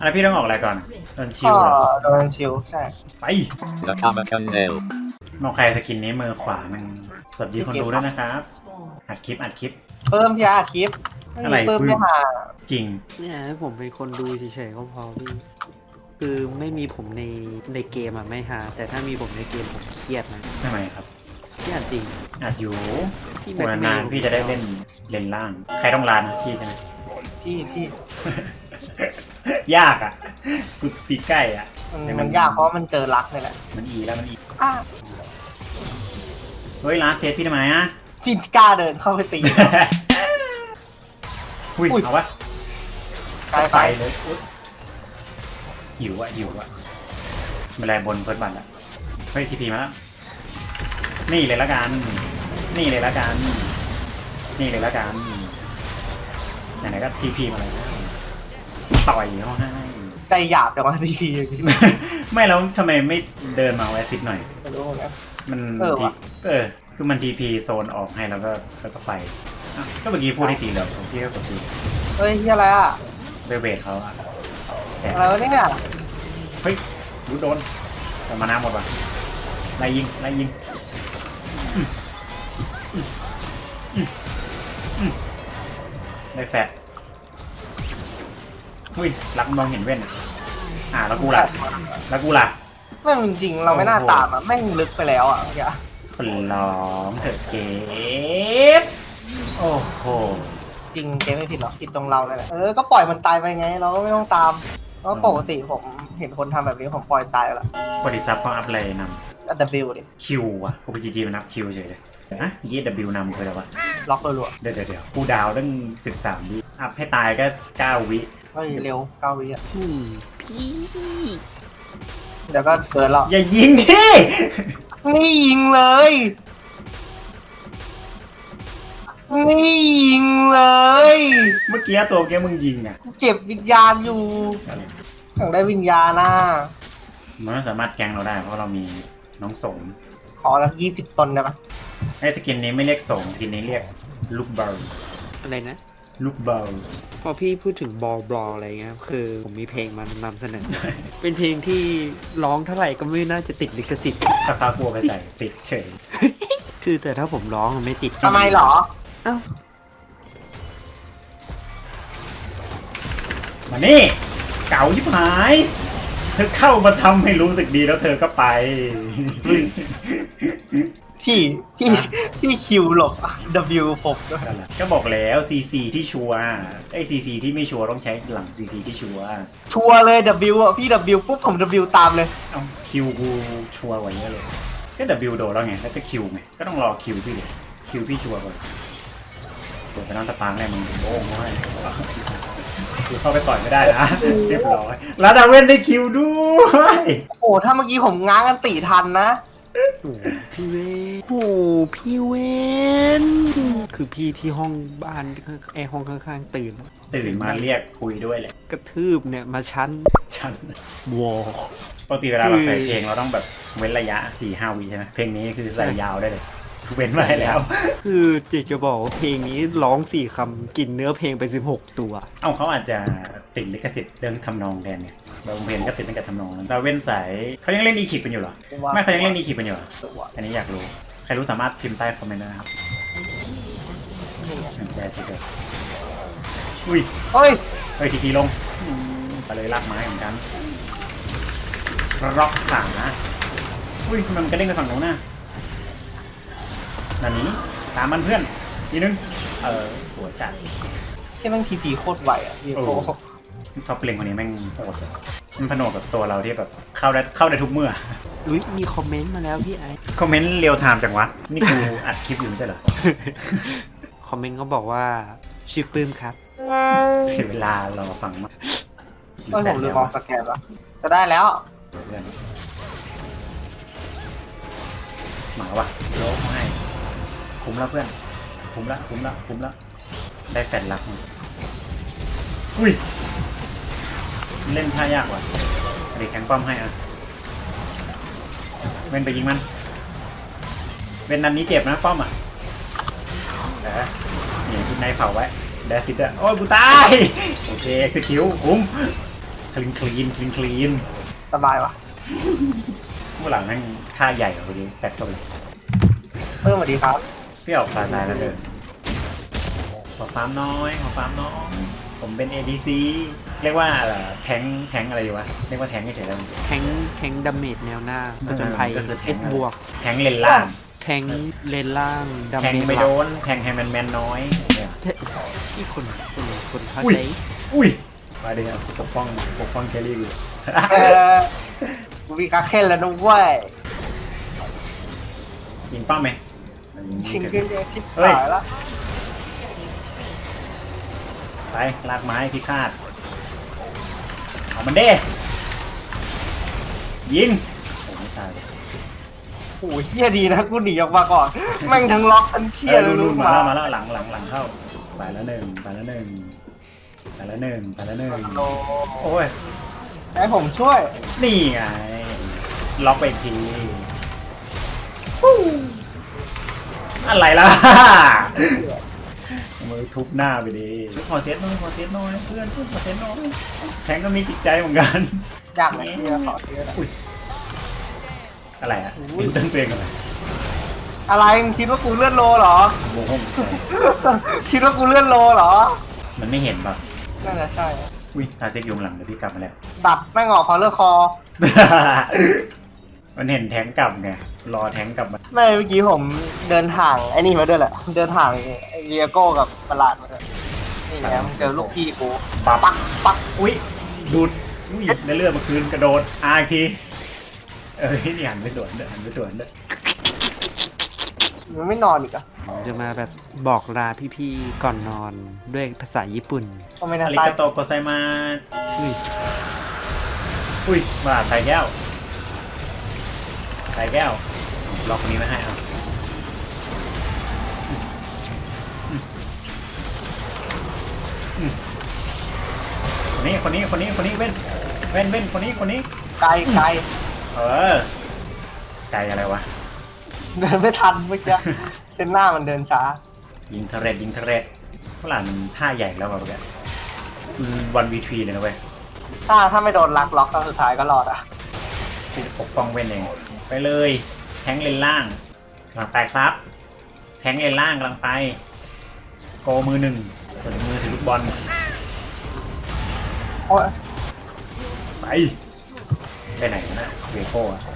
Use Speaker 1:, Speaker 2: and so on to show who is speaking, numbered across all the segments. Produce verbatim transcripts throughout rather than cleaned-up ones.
Speaker 1: อะไรพี่ต้องออกอะไรก่อนโดนชิ
Speaker 2: ก็
Speaker 1: วเหรอ
Speaker 2: โดนชิวใช่
Speaker 1: ไป
Speaker 3: The Comic Channel
Speaker 1: นอกใครสกินนี้มือขวามันสวัสดีคนดูด้วยนะครับอัดคลิปอัดคลิป
Speaker 2: เพิ่มยาคลิป
Speaker 1: อะไร
Speaker 2: เพิ่ม
Speaker 1: ปื้ม
Speaker 2: ไม่หา
Speaker 1: จริง
Speaker 4: เนี่ยให้ผมเป็นคนดูเฉยๆก็พอพี่คือไม่มีผมในในเกมอ่ะไม่หาแต่ถ้ามีผมในเกมผมเครียดนะ
Speaker 1: ทำไมครับ
Speaker 4: เครียดจริง
Speaker 1: อัดอยู่
Speaker 4: พี่
Speaker 1: หัวนานๆพี่จะได้เล่นเลนล่าง ใครต้องลานนะพี่ใช่ไหม
Speaker 2: พี่พี่
Speaker 1: ยากอ่ะกูตีใกล้อ่ะ
Speaker 2: มันมันยากเพราะมันเจอรักนี่แหละ
Speaker 1: มันอีแล้วมันอี
Speaker 2: อ่ะ
Speaker 1: เฮ้ยร้านเฟสพี่ทำไมอ่ะ
Speaker 2: พี่กล้าเดินเข้าไปตี
Speaker 1: อุ้ย
Speaker 2: อุ้ย
Speaker 1: เอาวะ
Speaker 2: ไปไป
Speaker 1: ไปเลยอุ๊ยหิวอ่ะหิวอ่ะไม่ไรบนเฟิร์สบัตรอ่ะเฮ้ยทีพีมาแล้วนี่เลยละกันนี่เลยละกันนี่เลยละกันไหนๆก็ทีพีมาเลยนะต่อยเขาให้
Speaker 2: ใจหยาบแต่ว่าทีที
Speaker 1: ไม่แล้วทำไมไม่เดินมาแวะซิดหน่อย
Speaker 2: ไม่รู้เหมือนกัน
Speaker 1: มัน
Speaker 2: เออ
Speaker 1: ที
Speaker 2: ว่ะ
Speaker 1: เออคือมันทีพีโซนออกให้แล้วก็แล้วก็ไปอ่ะก็เมื่อกี้พูดที่ตีแล้วผมพี่ก็กดตี
Speaker 2: เฮ้ยที่อะไรอ่ะ
Speaker 1: เบเบดเขาอะแต่
Speaker 2: อะไรวะเนี่ย
Speaker 1: เฮ้ยรู้โดนแต่มาน้ำหมดว่ะไล่ยิงไล่ยิงอืมอืมอืมอืมได้แฟดอุ้ยรักมองเห็นเว้นอะอ่าแล้วกูล่ะแล้วกูล่ะ
Speaker 2: แม่งจริงๆเราไม่น่าตามอ่ะแม่งลึกไปแล้วอ่ะเมื่อกี้
Speaker 1: คนร้องเถอะเก็บโอ้โห
Speaker 2: จริงเกมไม่ผิดหรอกผิดตรงเราเลยแหละเออก็ปล่อยมันตายไปไงเราก็ไม่ต้องตามเพราะปกติผมเห็นคนทำแบบนี้ผมปล่อยตายแล้ว
Speaker 1: บริษัทเขาอัพอะไรน
Speaker 2: อัดบิลดิ
Speaker 1: ำคิวอะโอพีจีจีมันนับคิวเฉยเลยนะยี่ดับบิวนำคืออะไรวะ
Speaker 2: ล็อกรัว
Speaker 1: เดี๋ยวเดี๋ยวเดี๋ยวกูดาวตั้งสิบสามวิอัพให้ตายก็เก้าวิ
Speaker 2: ๆเฮ้ยเร็วเก้าวิอ่ะ
Speaker 4: อืมพี่
Speaker 2: เดี๋ยวก็เกินแล้ว
Speaker 1: อย่ายิงดิ
Speaker 2: ไม่ยิงเลยไม่ยิงเลย
Speaker 1: เมื่อกี้ตัวเมื่อกี้มึงยิงอะ
Speaker 2: เจ็บวิญญาณอยู่อยากได้วิญญาณน่ะ
Speaker 1: มันไม่สามารถแกงเราได้เพราะเรามีน้องสม
Speaker 2: ขอละยี่สิบตนได้ปะ
Speaker 1: ไอ้สกินนี้ไม่เรียกสมสกินนี้เรียกลูกเบล
Speaker 4: อะไรนะ
Speaker 1: ลูกเบล
Speaker 4: พอพี่พูดถึงบอลบอลอะไรเงี้ยคือผมมีเพลงมานำเสนอ เป็นเพลงที่ร้องเท่าไหร่ก็ไม่น่าจะติดลิขสิทธิ์
Speaker 1: ถ้าฟ้ากลัวไปใส่ติดเฉย
Speaker 4: คือแต่ถ้าผมร้องมันไม่ติด
Speaker 2: ทำไมเหรอ
Speaker 4: เอ้า
Speaker 1: มานี่เก่ายิบหายเธอเข้ามาทำให้รู้สึกดีแล้วเธอก็ไป
Speaker 2: ที่ที่ที่คิวหลบ W ผมด้วย
Speaker 1: ก็บอกแล้ว ซี ซี ที่ชัวร์ไอ้ ซี ซี ที่ไม่ชัวร์ต้องใช้หลัง ซี ซี ที่ชัวร์
Speaker 2: ชัวร์เลย W อ่ะพี่ W ปุ๊บผม W ตามเลย
Speaker 1: เอ้าคิวกูชัวร์กว่าเยอะเลยก็ W โดนแล้วไงแล้วก็คิวไงก็ต้องรอคิวพี่ดิคิวพี่ชัวร์ก่อนเปิดไปน้องสปาร์กแน่มึงโอ้โหคือเข้าไปต่อยไม่ได้นะเรียบร้อยแล้วดาเวนได้คิวด้วย
Speaker 2: โอ้ถ้าเมื่อกี้ผมง้างกันตีทันนะ
Speaker 4: โอ้โหพี่เวนโอ้โหพี่เวนคือพี่ที่ห้องบ้านไอห้องข้างๆตื่น
Speaker 1: ตื่นมาเรียกคุยด้วยแหละ
Speaker 4: กระทืบเนี่ยมาชั้น
Speaker 1: ฉัน
Speaker 4: วอล
Speaker 1: ปกติเวลาเราใส่เพลงเราต้องแบบเว้นระยะ สี่ห้า วิใช่ไหมเพลงนี้คือใส่ยาวได้เลยเว้นไว้แล้ว
Speaker 4: คือเจจะบอกว่าเพลงนี้ร้องสี่คำกินเนื้อเพลงไปสิบหกตัว
Speaker 1: เอ้าเขาอาจจะติดลิขสิทธิ์เรื่องทำนองแทนเนี่ยบางเพลงก็ติดตั้งแต่ทำนองเราเว้นสายเขายังเล่นอีคิปกันอยู่เหรอไม่เขายังเล่นอีคิปกันอยู่เหรออันนี้อยากรู้ใครรู้สามารถพิมพ์ใต้คอมเมนต์ได้นะครับแย่สิเกิดอุ้ย
Speaker 2: เฮ้ย
Speaker 1: เฮ้ยทีทีลงไปเลยลากไม้เหมือนกันร็อกขาอุ้ยมันกระเด้งไปฝั่งโน้นน่ะนั่นนี้ตามมันเพื่อนทีนึงเออหัวจัด
Speaker 2: ที่แม่งทีพีโคตรไวอ่ะพี่
Speaker 1: โอ้
Speaker 2: โอ้
Speaker 1: ท็อปเพลงคนนี้แม่งโหดเลยมันผนวกกับตัวเราที่แบบเข้าได้เข้าได้ทุกเมื่อ
Speaker 4: อุ้ยมีคอมเมนต์มาแล้วพี่ไอ
Speaker 1: คอมเมนต์เรียวไทม์จังวะ นี่กูอัดคลิปอยู่ไม่ใช่เหรอ
Speaker 4: คอมเมนต์เขาบอกว่าชื่อปื้มครับ
Speaker 1: เสียเวลารอฟังมาก
Speaker 2: เฮ้ยผมลืมมองสแกนแล้วจะได้แล้ว
Speaker 1: เพื่อนหมาวะโลกให้คุ้มแล้วเพื่อนคุ้มละคุ้มละคุ้มละได้แฟนรักมั้งอุ้ยเล่นท่ายากว่ะเด็กแข็งป้อมให้อ่ะเว้นไปยิงมันเว้นนันนี้เจ็บนะป้อมอ่ะเออนี่คุณนายเผาไว้แดซิดอ่ะโอ้ยกูตายโอเคคือคิวคุ้มคลีนคลีนคลีนคลีน
Speaker 2: สบายว่ะ
Speaker 1: ผู้หลังนั่งท่าใหญ่กว่าคนนี้แตกตัวเลย
Speaker 2: เพิ่มสวัสดีครับ
Speaker 1: เปรี้ยวตายตายแล้วเลยขอฟาร์มน้อยขอฟาร์มน้อยผมเป็น เอ ดี ซี เรียกว่าแทงแทงอะไรอยู่วะเรียกว่าแทงเฉยๆแล้ว
Speaker 4: แทงแทงดาเมจแนวหน้าผจญภัย
Speaker 1: ก็คือแท
Speaker 4: เอง สบวก
Speaker 1: แทงเลนล่าง
Speaker 4: แทงเลนล่างดา
Speaker 1: แทง
Speaker 4: เมจ
Speaker 1: ไม่
Speaker 4: หลั
Speaker 1: โด
Speaker 4: ก
Speaker 1: นแทงให้มันแมนน้อยเนี่ย
Speaker 4: ที่คนคนคนเข้า
Speaker 1: อุ้ย
Speaker 4: ใจ
Speaker 1: อุ้ยมาดิครับปกป้องปกป้องแครี่อยู่
Speaker 2: เออกูมีการเค้นแล้วนะเว้ย
Speaker 1: ยิงป้าไหมยิง
Speaker 2: ชิง
Speaker 1: ยิง
Speaker 2: ขึ้นเนี่ยชิบ
Speaker 1: เฮ้ย
Speaker 2: หายแล้ว
Speaker 1: ไปลากไม้พิฆาตเอามันเด้ยิงโอ้ไม่ตายเลย
Speaker 2: โอ้โหเฮี้ยดีนะกูหนีออกมาก่อนแม่งทั้งล็อกทั้งเชี่ย
Speaker 1: เออ
Speaker 2: เลย
Speaker 1: นู่
Speaker 2: ลู
Speaker 1: น
Speaker 2: ก
Speaker 1: ๆ
Speaker 2: ห
Speaker 1: มา
Speaker 2: มา
Speaker 1: แล้วมาแล้วหลังหลังหลังเข้าไปแล้วหนึ่งไปแล้วหนึ่งไปแล้วหนึ่งไปแล้วหนึ่ง
Speaker 2: โอ้
Speaker 1: โอ้ย
Speaker 2: ให้ผมช่วย
Speaker 1: นี่ไงล็อกไปอีกทีอะไรล่ะมือทุบหน้าไปดิขอเซตหน่อยขอเซตหน่อยเพื่อนเพื่อนขอเซตหน่อยแทงก็มีจิตใจเหมือนกัน
Speaker 2: อยากไหมเฮียขอเสีย
Speaker 1: อุ้ยอะไรอ่ะยิงตั้งเตียงกันเลย
Speaker 2: อะไรมึงคิดว่ากูเลื่อนโลเหรอ
Speaker 1: โมโห
Speaker 2: คิดว่ากูเลื่อนโลเหรอ
Speaker 1: มันไม่เห็นป่ะ
Speaker 2: น่าจะใช่
Speaker 1: อุ้ยตาเซ็กยุงหลังเดี๋ยวพี่กลับมาแล้ว
Speaker 2: ดับแม่งออกคอเลอร์คอ
Speaker 1: มันเห็นแทงกลับไงรอแทงกลับมา
Speaker 2: ไม่เมื่อกี้ผมเดินห่างไอ้นี่มาด้วยแหละ เดินห่างไอ้เรียโก้กับประหลาดมาด้วยนี่ไงมึงเจอลูกพี่กู
Speaker 1: ปับ
Speaker 2: ปักปัก
Speaker 1: อุ้ยดูดอุ้ยในเลือดเมื่อคืนกระโดดอาอีกทีเอ้ยนี่หันไปสวนเด้อหันไปสวนเด้อ
Speaker 2: มันไม่นอนอีกอะ
Speaker 4: ผมจะมาแบบบอกลาพี่ๆก่อนนอนด้วยภาษาญี่ปุ่น
Speaker 2: ก็ไม่
Speaker 1: อา
Speaker 2: น่า
Speaker 1: ริ
Speaker 2: ตาย
Speaker 1: กาโตโกไซมา
Speaker 4: อุ้ย
Speaker 1: อุ้ยว่าใส่แก้วใส่แก้วล็อกคนนี้ไม่ให้เอาคนนี้คนนี้คนนี้คนนี้เว้นเว้นเว้นคนนี้คนนี้
Speaker 2: ไกลไกล
Speaker 1: เออไกลอะไรวะ
Speaker 2: เดินไม่ทันเมื่อกี้เส้นหน้ามันเดินช้า
Speaker 1: ยิงเทเรตยิงเทเรตฝรั่งมันท่าใหญ่แล้วแบบเนี้ยวันวีทีเลยนะเว้ย
Speaker 2: ถ้าถ้าไม่โดนลักล็อกตอนสุดท้ายก็รอดอ่ะ
Speaker 1: ที่ปกป้องเว้นเองไปเลยแทงเลนล่างกำลังไปครับ แทงเลนล่างกำลังไปโกมือหนึ่งส่วนมือถือลูกบอล
Speaker 2: โอ้ย
Speaker 1: ไปไปไหนนะเวโก้อะ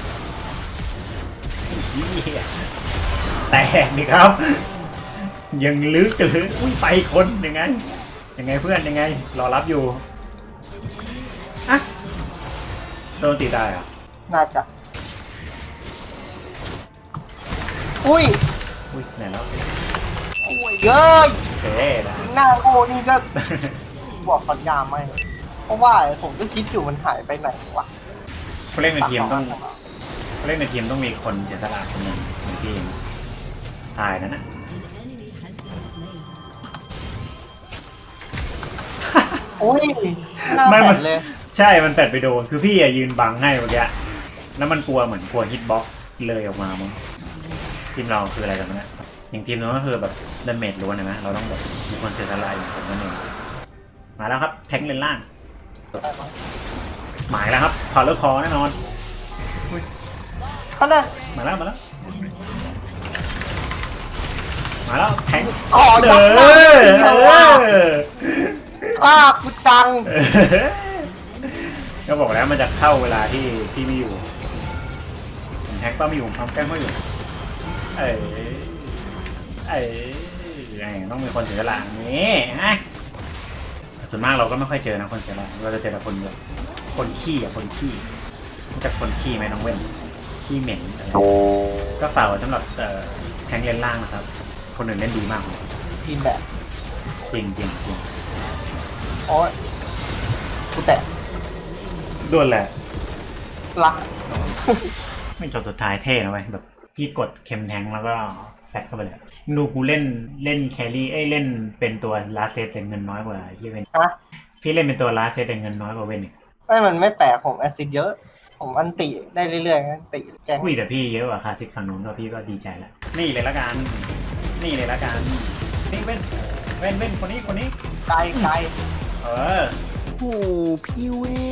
Speaker 1: ไอ้เหี้ยแตกดิครับ ยังลึกเลยอุ้ยไปคนยังไงยังไงเพื่อนยังไงรอรับอยู่อะโดนตีได้เหรอะ
Speaker 2: น่าจะ อุ้ย
Speaker 1: อุ้ยไหนแล้ว
Speaker 2: โอ้ยเย้ย
Speaker 1: โอเคได้
Speaker 2: หน้าโง่นี่ก็ บอกสัญญาไม่เพราะว่าผมก็คิดอยู่มันหายไปไหนวะ
Speaker 1: ผู้เล่นในทีมต้องผู้เล่นในทีมต้องมีคนเสียสละคนหนึ่งในทีมตายนั่นนะ
Speaker 2: โอ้ยหน้าแปดเลย
Speaker 1: ใช่ มันแปดไปโดน คือพี่อะยืนบังให้เมื่อกี้ แล้วมันกลัวเหมือนกลัวฮิตบ็อกซ์เลยออกมามั้งทีมเราคืออะไรกันเนี่ยอย่างทีมนู้นก็คือแบบดาเมจล้วนเห็นไหมเราต้องแบบมีคนเสียสละอย่างผมนั่นเองมาแล้วครับ แทงเลนล่าง หมายแล้วครับพอเลิกคอแน่นอน
Speaker 2: ท่านน่ะ
Speaker 1: มาแล้ว มาแล้ว มาแล้ว แทง
Speaker 2: อ๋อ
Speaker 1: เด้
Speaker 2: จั
Speaker 1: อบ
Speaker 2: หน้า
Speaker 1: เอ
Speaker 2: ว่า
Speaker 1: อ
Speaker 2: ป้ากูจัง
Speaker 1: ก็บอกแล้วมันจะเข้าเวลาที่ที่ไม่อยู่ผมแท็กป้าไม่อยู่ผมแกล้งไม่อยู่ เอ้ยเอ้ยไงต้องมีคนเสียสละนี่ฮะส่วนมากเราก็ไม่ค่อยเจอนะคนเสียสละเราจะเจอแต่คนแบบคนขี้อ่ะคนขี้รู้จักคนขี้ไหมน้องเว้นขี้เหม็นอะไรก็ฝากไว้สำหรับเอ่อแทงเลนล่างนะครับ คนหนึ่งเล่นดีมากเลย
Speaker 2: ทีมแบบ
Speaker 1: จริงจริงจริง
Speaker 2: โอ้ยกูแตะ
Speaker 1: ด้วนแหละ
Speaker 2: รัก
Speaker 1: ไม่จบสุดท้ายเท่นะเว้ยแบบพี่กดเข็มแทงแล้วก็แฟตเข้าไปเลยดูกูเล่นเล่นแครี่เอ้ยเล่นเป็นตัวลาเซตแต่เงินน้อยกว่ายี่เวน
Speaker 2: ฮะ
Speaker 1: พี่เล่นเป็นตัวลาเซตแต่เงินน้อยกว่าเวนอีก
Speaker 2: ไม่มันไม่แปลกผมแอซิดเยอะ ผมอันติได้เรื่อยๆอันติแกง
Speaker 1: อุ้ยแต่พี่เยอะกว่าคาซิกฝั่งนู้นก็พี่ก็ดีใจแล้วนี่เลยละกันนี่เลยละกันนี่เว้นเว้นเว้นคนนี้คนนี้
Speaker 2: ไกลไกล
Speaker 1: เออ
Speaker 4: โหพี่เว้